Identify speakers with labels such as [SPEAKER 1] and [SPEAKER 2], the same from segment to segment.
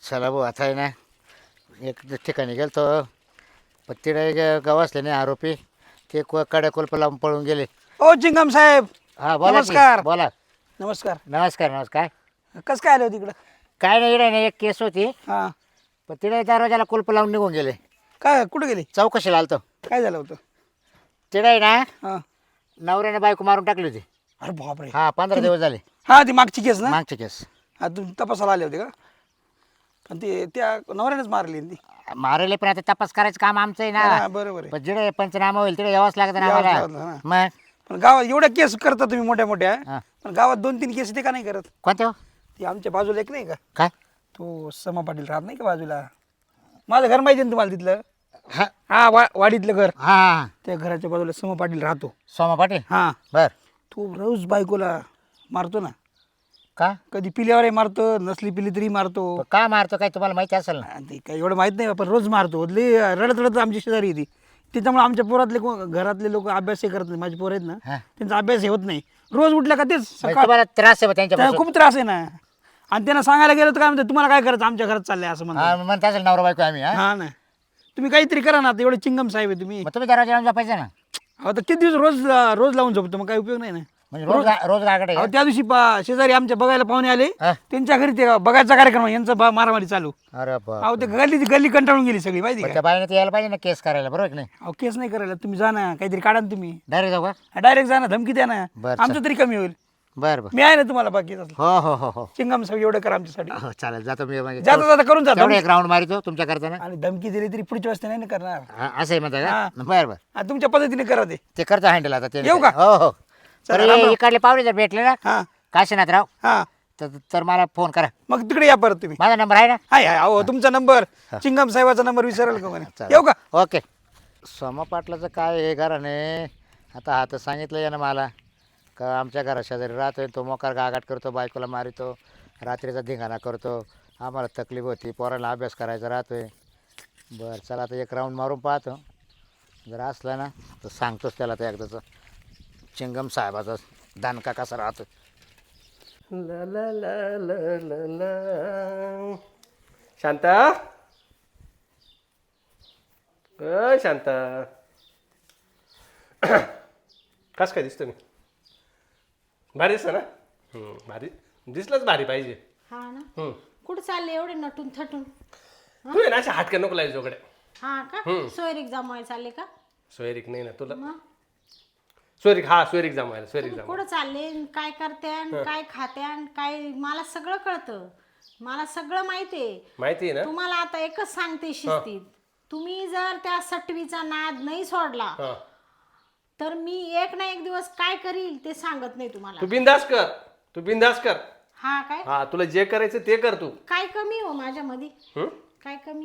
[SPEAKER 1] चला भाऊ आता आहे ना एक ठिकाणी गेलो तो पण तिकडे गवासले नाही आरोपी ते कडे कुलप लावून पळून गेले.
[SPEAKER 2] ओ चिंगम साहेब
[SPEAKER 1] हा बोला की,
[SPEAKER 2] नमस्कार.
[SPEAKER 1] बोला.
[SPEAKER 2] नमस्कार.
[SPEAKER 1] नमस्कार नमस्कार.
[SPEAKER 2] कस काय आलं तिकडं?
[SPEAKER 1] काय नाही इकडे नाही एक केस होती
[SPEAKER 2] हा
[SPEAKER 1] पण तिकडे दरवाजाला कुलप लावून निघून गेले.
[SPEAKER 2] काय कुठं गेली?
[SPEAKER 1] चौकशीला आलतो.
[SPEAKER 2] काय झालं होतं?
[SPEAKER 1] तिकडे ना
[SPEAKER 2] हा
[SPEAKER 1] नवऱ्याने बायको मारून टाकली होती.
[SPEAKER 2] अरे बापरे.
[SPEAKER 1] हा 15 दिवस झाले.
[SPEAKER 2] हा ती मागची केस ना?
[SPEAKER 1] मागचे केस
[SPEAKER 2] हा तुम्ही तपासाला आले होते का? पण ते त्या नवऱ्यानेच मारली ना ती.
[SPEAKER 1] मारले पण आता तपास करायचं काम आमचं आहे
[SPEAKER 2] हा,
[SPEAKER 1] ना.
[SPEAKER 2] बरोबर आहे.
[SPEAKER 1] पण जिकडे पंचनामा होईल तिकडे यावंच लागतं ना
[SPEAKER 2] यावंच
[SPEAKER 1] आम्हाला.
[SPEAKER 2] लागतं ना.
[SPEAKER 1] मग
[SPEAKER 2] पण गावात एवढ्या केस करता तुम्ही मोठ्या मोठ्या,
[SPEAKER 1] हा.
[SPEAKER 2] पण गावात 2-3 केस ते का नाही करत?
[SPEAKER 1] कोणते हो?
[SPEAKER 2] ती आमच्या बाजूला एक नाही का,
[SPEAKER 1] काय
[SPEAKER 2] तो समा पाटील राहत नाही का बाजूला? माझं घर माहिती ना तुम्हाला तिथलं?
[SPEAKER 1] हा
[SPEAKER 2] हा वाडीतलं घर.
[SPEAKER 1] हा
[SPEAKER 2] त्या घराच्या बाजूला समा पाटील राहतो.
[SPEAKER 1] सोमा पाटील.
[SPEAKER 2] हा
[SPEAKER 1] बर
[SPEAKER 2] तो रोज बायकोला मारतो ना.
[SPEAKER 1] का
[SPEAKER 2] कधी पिल्यावरही मारतो, नसली पिली तरी मारतो.
[SPEAKER 1] का मारतो काय तुम्हाला माहिती असेल ना.
[SPEAKER 2] आणि ते काही एवढं माहित नाही पण रोज मारतो. लई रडत रडत आमची शेजारी येते. त्याच्यामुळे आमच्या पोरातले घरातले लोक अभ्यासही करत नाही. माझे पोर आहेत ना,
[SPEAKER 1] हा.
[SPEAKER 2] त्यांचा अभ्यास हे होत नाही. रोज उठल्या का तेच
[SPEAKER 1] म्हणजे
[SPEAKER 2] सकाळ
[SPEAKER 1] तुम्हाला त्रास आहे बा
[SPEAKER 2] त्यांना
[SPEAKER 1] त्यांच्या
[SPEAKER 2] खूप त्रास आहे ना. आणि त्यांना सांगायला गेलं तर काय म्हणते, तुम्हाला काय करायचं, आमच्या घरात चाललंय असं म्हणतात.
[SPEAKER 1] म्हणता असेल नवरा बायको आम्ही. हा
[SPEAKER 2] हा ना, तुम्ही काहीतरी करा ना. आता एवढे चिंगम साहेब आहे तुम्ही.
[SPEAKER 1] मग तुम्ही दरवाजा लावून झोपायचं ना.
[SPEAKER 2] आता किती दिवस रोज रोज लावून झोपतो, मग काही उपयोग नाही ना.
[SPEAKER 1] म्हणजे रोज गागडे
[SPEAKER 2] अहो, त्या दिवशी शेजारी आमच्या बघायला पाहुणे आले,
[SPEAKER 1] हा.
[SPEAKER 2] त्यांच्या घरी ते बघायचा कार्यक्रम आहे, यांचा मारामारी चालू.
[SPEAKER 1] अरे बाप.
[SPEAKER 2] अहो ते गल्ली कंटाळून गेली सगळी माहिती
[SPEAKER 1] पण
[SPEAKER 2] का?
[SPEAKER 1] त्या बाईने ते यायला पाहिजे ना केस करायला, बरोबर की नाही.
[SPEAKER 2] अहो केस नाही करायला, तुम्ही जा ना, काहीतरी काढा ना तुम्ही.
[SPEAKER 1] डायरेक्ट जाऊ का?
[SPEAKER 2] डायरेक्ट जा ना, धमकी द्या ना,
[SPEAKER 1] बरं,
[SPEAKER 2] आमचं तरी कमी होईल.
[SPEAKER 1] बरं बरं.
[SPEAKER 2] मी आहे ना तुम्हाला बाकी असलं.
[SPEAKER 1] हो हो हो हो
[SPEAKER 2] चिंगम साहेब एवढं करा आमच्यासाठी.
[SPEAKER 1] हो चालेल जातो मी. म्हणजे
[SPEAKER 2] जाता जाता करून जा.
[SPEAKER 1] तेवढं एक राऊंड मारितो तुमच्या करताना.
[SPEAKER 2] आणि धमकी दिली तरी पुढच्या वेळेस ते नाही ना करणार.
[SPEAKER 1] असं आहे म्हणता
[SPEAKER 2] हा.
[SPEAKER 1] का. बरं बरं
[SPEAKER 2] आणि तुमच्या पद्धतीने करा ते.
[SPEAKER 1] ते करतो हँडल आता ते.
[SPEAKER 2] येऊ का?
[SPEAKER 1] हो हो.
[SPEAKER 2] चला,
[SPEAKER 1] तर
[SPEAKER 2] राम राम.
[SPEAKER 1] इकडले पाहुणे जर भेटले ना
[SPEAKER 2] हा
[SPEAKER 1] काशीनाथराव
[SPEAKER 2] हा
[SPEAKER 1] तर मला फोन करा.
[SPEAKER 2] मग तिकडे या परत तुम्ही.
[SPEAKER 1] माझा नंबर आहे ना.
[SPEAKER 2] हाय हाय. अहो तुमचा नंबर, चिंगम साहेबाचा नंबर विसराल का म्हणे.
[SPEAKER 1] चालेल.
[SPEAKER 2] येऊ का?
[SPEAKER 1] ओके. सोमा पाटलाचं काय आहे घराने. आता हा तर सांगितलं यानं मला का आमच्या घरा शेजारी राहतोय तो मोकार गागाट करतो, बायकोला मारितो, रात्रीचा धिंगाणा करतो, आम्हाला तकलीफ होती, पोराला अभ्यास करायचा राहतोय. बरं चला आता एक राऊंड मारून पाहतो. जर असला ना तर सांगतोच त्याला तर एकदाचं चिंगम साहेबाचा दानका कसा राहतो.
[SPEAKER 3] ला ला ला ला ला ला. शांता, शांता, कस काय दिसतो मी? भारी दिसतं ना? भारी दिसलंच, भारी पाहिजे.
[SPEAKER 4] हा ना. कुठं चालले एवढे नटून थटून?
[SPEAKER 3] तू आहे ना अशा हाटक्या नको लायला जोकडे.
[SPEAKER 4] हा का? सोयरीक जमाय चालले का?
[SPEAKER 3] सोयरीक नाही ना तुला.
[SPEAKER 4] मग
[SPEAKER 3] सोयरीक, हा सोयरीक जमायला, सोयरीक जमा.
[SPEAKER 4] कुठं चालले, काय करत्यान, काय खात्यान, काय मला सगळं कळतं. मला सगळं माहितीये.
[SPEAKER 3] माहिती आहे ना?
[SPEAKER 4] तुम्हाला आता एकच सांगते शिस्तीत, तुम्ही जर त्या सटवीचा नाद नाही सोडला
[SPEAKER 3] हा.
[SPEAKER 4] तर मी एक ना एक दिवस काय करील ते सांगत नाही तुम्हाला.
[SPEAKER 3] तू बिंदास कर, तू बिंदास कर.
[SPEAKER 4] हा काय?
[SPEAKER 3] हा तुला जे करायचं ते कर तू.
[SPEAKER 4] काय कमी हो माझ्यामध्ये?
[SPEAKER 3] हं?
[SPEAKER 4] काय कमी?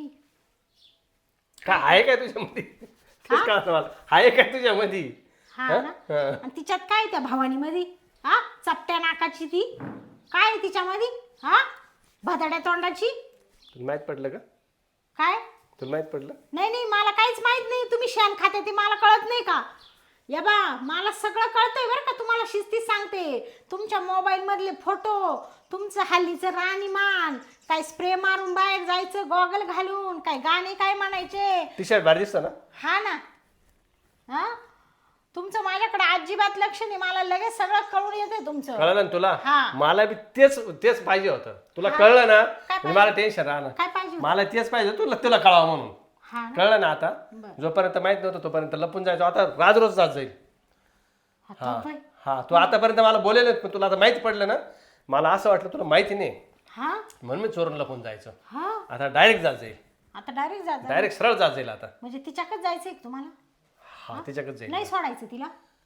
[SPEAKER 3] काय आहे काय तुझ्यामध्ये? तेच कळतं मला. आहे काय तुझ्यामध्ये?
[SPEAKER 4] हा ना. आणि तिच्यात काय त्या भवानीमध्ये? हा चपट्या नाकाची ती काय तिच्यामध्ये? हा भदाड्या तोंडाची.
[SPEAKER 3] तुला माहित पडलं का?
[SPEAKER 4] काय?
[SPEAKER 3] तुला माहित पडलं?
[SPEAKER 4] नाही नाही मला काहीच माहित नाही. तुम्ही शेण खाते ते मला कळत नाही का? या बा मला सगळं कळतंय बरं का. तुम्हाला शिस्तीत सांगते. तुमच्या मोबाईल मधले फोटो, तुमचं हल्लीचं राणीमान, काय स्प्रे मारून बाहेर जायचं गॉगल घालून, काय गाणे काय म्हणायचे.
[SPEAKER 3] टी शर्ट भारी दिसतं ना?
[SPEAKER 4] हा ना. हा तुमचं माझ्याकडे अजिबात लक्ष नाही. मला लगेच सगळं कळून येते तुमचं.
[SPEAKER 3] कळलं ना तुला?
[SPEAKER 4] हा.
[SPEAKER 3] मला बी तेच पाहिजे होतं. तुला कळलं ना?
[SPEAKER 4] पाहिजे?
[SPEAKER 3] मला टेन्शन राहणार.
[SPEAKER 4] काय पाहिजे होतं?
[SPEAKER 3] मला तेच पाहिजे तुला कळावं म्हणून.
[SPEAKER 4] हा ना.
[SPEAKER 3] कळलं ना आता?
[SPEAKER 4] बरं.
[SPEAKER 3] जोपर्यंत माहित नव्हतं तोपर्यंत लपून जायचो. आता रोज जात जाईल.
[SPEAKER 4] आता बाई.
[SPEAKER 3] हा तू आतापर्यंत मला बोलेल, पण तुला आता माहिती पडलं ना. मला असं वाटलं तुला माहिती नाही
[SPEAKER 4] हा
[SPEAKER 3] म्हणून मी चोरून लपून जायचं.
[SPEAKER 4] हा
[SPEAKER 3] आता डायरेक्ट जात जाईल.
[SPEAKER 4] आता डायरेक्ट जा.
[SPEAKER 3] डायरेक्ट सरळ जात जाईल आता.
[SPEAKER 4] म्हणजे तिच्याकडे जायचंय का तुम्हाला?
[SPEAKER 3] हा तिच्याकडे जाईल.
[SPEAKER 4] नाही सोडायचं तिला?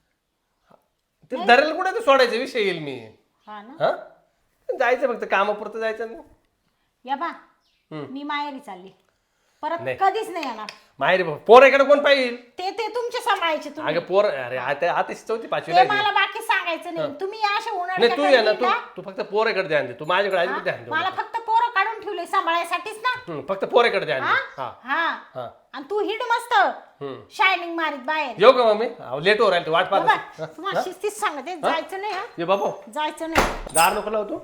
[SPEAKER 3] ते धरेल कुठे ते सोडायचा विषय येईल मी.
[SPEAKER 4] हा ना.
[SPEAKER 3] हा जायचं फक्त कामापुरतं जायचं ना.
[SPEAKER 4] या बा मी माहेरी चालली, परत
[SPEAKER 3] नाही.
[SPEAKER 4] कधीच नाही येणार.
[SPEAKER 3] माहेरी पोराकडे कोण पाहिजे?
[SPEAKER 4] ते तुमचे सांभाळायचे तुम्ही.
[SPEAKER 3] अगं पोर अरे आता चौथी पाचवी
[SPEAKER 4] ते मला बाकी सांगायचं नाही. तुम्ही अशा
[SPEAKER 3] नाही
[SPEAKER 4] उन्हाळ्याच्या
[SPEAKER 3] तू ये ना
[SPEAKER 4] कधी येता?
[SPEAKER 3] तू फक्त पोराकडे ध्यान दे. तू माझ्याकडे आली तर ध्यान दे.
[SPEAKER 4] मला फक्त पोरं काढून ठेवले सांभाळायसाठीच ना.
[SPEAKER 3] फक्त पोराकडे ध्यान
[SPEAKER 4] हा
[SPEAKER 3] दे. हा
[SPEAKER 4] हा
[SPEAKER 3] हा
[SPEAKER 4] आणि तू हिड मस्त शायनिंग मारीत बाहेर.
[SPEAKER 3] येऊ का मम्मी? लेट हो राहील वाट
[SPEAKER 4] बाबा,
[SPEAKER 3] पाहत.
[SPEAKER 4] तुम्हाला शिस्तीच सांगते जायचं नाही. हा
[SPEAKER 3] ये बाबा
[SPEAKER 4] जायचं नाही.
[SPEAKER 3] दार नको लावतो.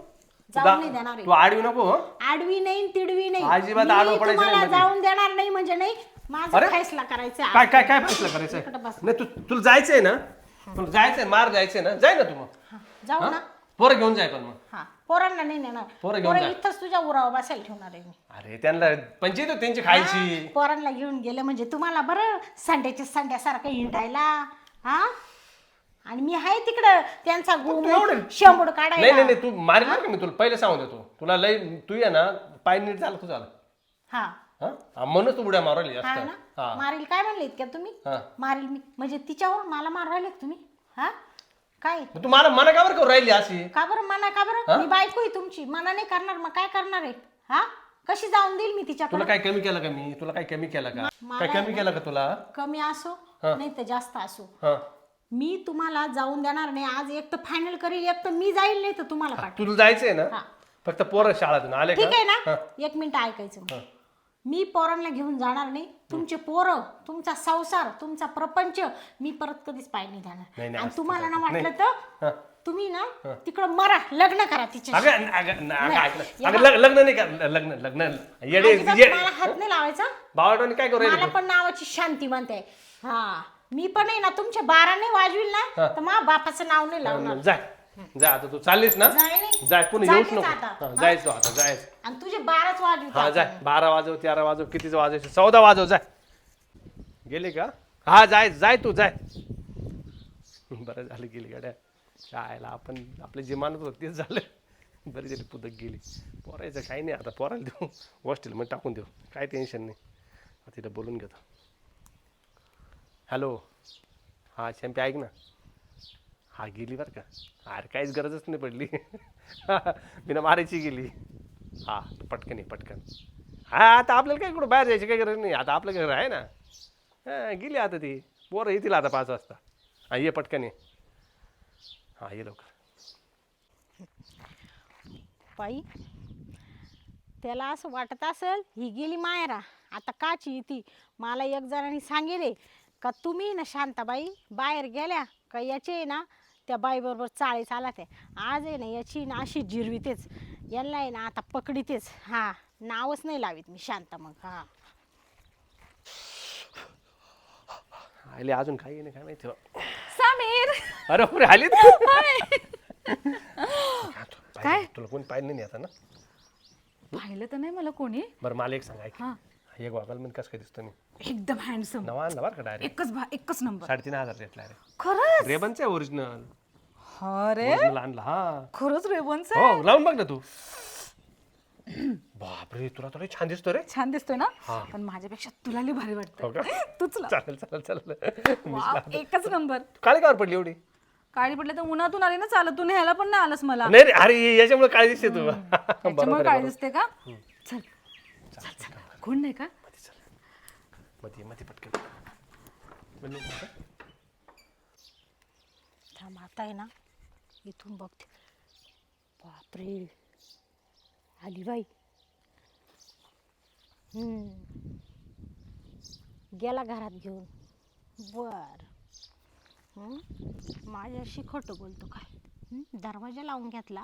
[SPEAKER 4] जाऊन नाही देणार
[SPEAKER 3] तू आडवी नको हो.
[SPEAKER 4] आडवी नाही तिडवी नाही
[SPEAKER 3] अजिबात आडवं
[SPEAKER 4] मी
[SPEAKER 3] पडायचं नाही
[SPEAKER 4] तुम्हाला
[SPEAKER 3] मध्ये.
[SPEAKER 4] जाऊन देणार नाही म्हणजे नाही माझा फैसला करायचा आहे.
[SPEAKER 3] काय काय काय फैसला करायचा
[SPEAKER 4] इकडं बस.
[SPEAKER 3] नाही तुला जायचंय ना, तुला जायचंय मार जायचंय ना, जाय ना तू मग.
[SPEAKER 4] हा, जाऊ ना
[SPEAKER 3] पोरं घेऊन जाय पण मग.
[SPEAKER 4] हा पोरांना नाही नेणार
[SPEAKER 3] पोरं घेऊन जा.
[SPEAKER 4] इथंच तुझ्या उरावर बसायला ठेवणार आहे मी
[SPEAKER 3] अरे त्यांना पंचायत होती त्यांची खायची.
[SPEAKER 4] पोरांना घेऊन गेले म्हणजे तुम्हाला बरं संड्याच्या संड्यासारखं हिंडायला हा आणि मी आहे तिकडं त्यांचा शेंबूड
[SPEAKER 3] नाही
[SPEAKER 4] काढायला
[SPEAKER 3] नाही तू मारेल का मी तुला पहिले सांगून देतो. तुला लय तू ये ना पाय नीट झालं तू झालं
[SPEAKER 4] हा
[SPEAKER 3] हा म्हणून तू उड्या मारली
[SPEAKER 4] हा
[SPEAKER 3] जास्त.
[SPEAKER 4] ना
[SPEAKER 3] हा
[SPEAKER 4] मारील काय म्हणले इतक्या तुम्ही
[SPEAKER 3] हा.
[SPEAKER 4] मारील मी म्हणजे तिच्यावर मला मार राहिले का तुम्ही हा काय
[SPEAKER 3] मग तू मला मना का बरं करू राहिली अशी.
[SPEAKER 4] का बरं मना का बरं मी बायको आहे तुमची मना नाही करणार मग काय करणार आहे हा कशी जाऊन देईल मी तिच्याकडे
[SPEAKER 3] तुला काय कमी केलं का मी, तुला काय कमी केलं का, काय कमी केलं का तुला.
[SPEAKER 4] कमी असो नाही तर जास्त असो
[SPEAKER 3] हा
[SPEAKER 4] मी तुम्हाला जाऊन देणार नाही आज एक तर फायनल करील एक तर मी जाईल नाही तर तुम्हाला पाठव
[SPEAKER 3] तुला जायचंय ना
[SPEAKER 4] हा.
[SPEAKER 3] फक्त पोरं शाळेतून आले
[SPEAKER 4] ठीक आहे
[SPEAKER 3] का.
[SPEAKER 4] ना एक मिनिट ऐकायचं मग. मी पोरांना घेऊन जाणार नाही तुमचे पोरं तुमचा संसार तुमचा प्रपंच मी परत कधीच पाय नाही
[SPEAKER 3] नाही,
[SPEAKER 4] जाणार
[SPEAKER 3] नाही,
[SPEAKER 4] आणि तुम्हाला ना
[SPEAKER 3] नाही.
[SPEAKER 4] वाटलं तर तुम्ही ना तिकडं मरा लग्न करा तिच्या
[SPEAKER 3] लग्न नाही का लग्न लग्न येडे
[SPEAKER 4] मला हात नाही लावायचा
[SPEAKER 3] बावटाने काय करू
[SPEAKER 4] मला पण नावाची शांती म्हणते हा मी पण आहे ना तुमच्या 12 नाही वाजविल ना तर मा बापाचं नाव नाही लावणार
[SPEAKER 3] जाय जा आता तू चाललीस ना
[SPEAKER 4] जाय नाही.
[SPEAKER 3] जाय पुन्हा येऊच
[SPEAKER 4] चाललीच
[SPEAKER 3] नको.
[SPEAKER 4] आता.
[SPEAKER 3] हा, जायचो आता जायचं.
[SPEAKER 4] आणि तुझे 12च वाजवित
[SPEAKER 3] हा जाय 12 वाजव 13 वाजव कितीच वाजवायचं 14 वाजव जाय. गेली का हा जाय जाय तू जाय. बरं झालं गेली गाड्या शाळेला आपण आपलं जे मानत होतं तेच झालं. बरी झाली पुदक गेली. पोरायचं काही नाही आता पोरायला देऊ हॉस्टेलमध्ये टाकून देऊ काय टेन्शन नाही. आता तिथं बोलून घेतो. हॅलो हा शॅम्पी ऐक ना. हा गेली बरं का. अरे काहीच गरजच नाही पडली. बिना मारायची गेली. हा पटकन ये पटकन. हा आता आपल्याला काय कुठं बाहेर जायची काही गरज नाही. आता आपलं घर आहे ना. हा गेली आता ती पोरं येतील आता 5 वाजता. हा ये पटकन ये. हा ये लवकर.
[SPEAKER 4] बाई त्याला असं वाटत असेल ही गेली मायरा आता काची ती मला एक जणांनी सांगितले का तुम्ही ना शांताबाई बाहेर गेल्या का याचे ना त्या बाईबरोबर चाळे चालत आहे आज आहे ना याची ना अशी जिरवीतेच यांना आहे ना आता पकडीतेच हा नावच नाही लावीत मी शांता मग हा
[SPEAKER 3] आले अजून काही नाही काय माहिती.
[SPEAKER 5] समीर
[SPEAKER 3] अरे पुरे आली
[SPEAKER 5] काय?
[SPEAKER 3] तुला कोणी पाहिलं नाही आता ना.
[SPEAKER 5] पाहिलं तर नाही मला कोणी.
[SPEAKER 3] बरं मला एक सांग ऐक
[SPEAKER 5] हा
[SPEAKER 3] एक वागाल मी कसं काय दिसतो मी
[SPEAKER 5] एकदम हँडसम
[SPEAKER 3] नवा आणला बरं का डायरेक्ट
[SPEAKER 5] एकच नंबर
[SPEAKER 3] 3,500 घेतला रे.
[SPEAKER 5] खरंच
[SPEAKER 3] रेबनचं आहे ओरिजिनल.
[SPEAKER 5] अरे
[SPEAKER 3] ओरिजिनल आणला हा.
[SPEAKER 5] खरंच रेबनच
[SPEAKER 3] हो लावून बघ ना तू. बापरे तुला तर छान दिसतो रे.
[SPEAKER 5] छान दिसतोय ना पण माझ्यापेक्षा तुला लई भारी
[SPEAKER 3] हो
[SPEAKER 5] वाटतं
[SPEAKER 3] का
[SPEAKER 5] तूच लाव.
[SPEAKER 3] चालेल चालेल चालेल.
[SPEAKER 5] वाव, एकच नंबर.
[SPEAKER 3] काळी कावर पडली एवढी.
[SPEAKER 5] काळी पडले तर उन्हातून आली ना चालत तू न्यायला पण नाही आलंस मला
[SPEAKER 3] नाही रे अरे याच्यामुळे काळी दिसते तू.
[SPEAKER 5] त्याच्यामुळे काळी दिसते का चल चल चल कोण नाही का
[SPEAKER 3] मध्ये मध्ये पटकन.
[SPEAKER 4] थांब आता आहे ना इथून बघते बापरे आली बाई गेला घरात घेऊन बर माझ्याशी खोटं बोलतो काय दरवाजा लावून घेतला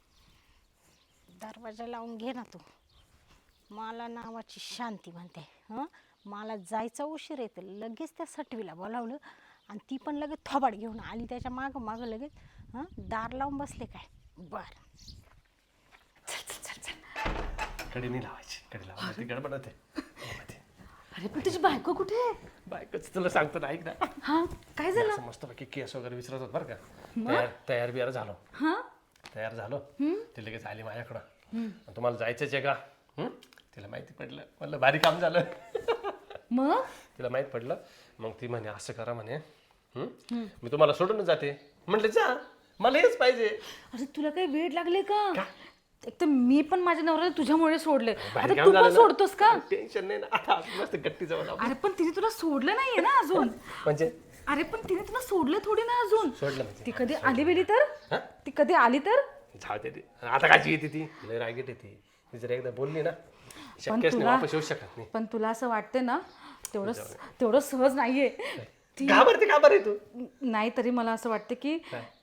[SPEAKER 4] दरवाजा लावून घे ना तू मला नावाची शांती म्हणते मला जायचा उशीर येतं लगेच त्या सटवीला बोलावलं आणि ती पण लगेच थोबाड घेऊन आली त्याच्या मागं मागं लगेच दार लावून बसले काय बर
[SPEAKER 5] चल चल चल चल
[SPEAKER 3] कडी नाही लावायची कडी लावायची गडबड होते.
[SPEAKER 5] अरे पण तुझी बायको कुठे आहे?
[SPEAKER 3] बायकोच तुला सांगतो ना ऐक ना.
[SPEAKER 5] हा काय झालं
[SPEAKER 3] असं मस्त बाकी केस वगैरे विचारत होत बरं का. तयार बियार झालो
[SPEAKER 5] हा
[SPEAKER 3] तयार झालो ती लगेच आली माझ्याकडं आणि तुम्हाला जायचंच आहे का. तिला माहिती पडलं म्हणलं भारी काम झालं.
[SPEAKER 5] मग
[SPEAKER 3] तिला माहित पडलं मग ती म्हणे असं करा म्हणे मी तुम्हाला सोडून जाते. म्हटलं जा मला हेच पाहिजे.
[SPEAKER 5] अरे तुला काही वेळ लागले का एक तर मी पण माझ्या नवऱ्याला तुझ्यामुळे सोडले
[SPEAKER 3] भारी
[SPEAKER 5] आता
[SPEAKER 3] काम
[SPEAKER 5] तू
[SPEAKER 3] झालं
[SPEAKER 5] पण
[SPEAKER 3] ना.
[SPEAKER 5] सोडतोस का
[SPEAKER 3] टेन्शन नाही ना आता मस्त गट्टी जवळ लावू.
[SPEAKER 5] अरे पण तिने तुला सोडलं नाहीये ना अजून
[SPEAKER 3] म्हणजे
[SPEAKER 5] अरे पण तिने तुला सोडलं थोडी ना अजून
[SPEAKER 3] सोडलं म्हणजे
[SPEAKER 5] ती कधी आली बेली तर ती कधी आली तर
[SPEAKER 3] जाऊ दे ती. आता काची येते ती लय रागीट येते. ती जर एकदा बोलली ना शक्यच नाही वापस येऊ शकत नाही.
[SPEAKER 5] पण तुला असं वाटते ना तेवढं सहज नाहीये ती
[SPEAKER 3] घाबरते का बरं तू.
[SPEAKER 5] नाही तरी मला असं वाटतं की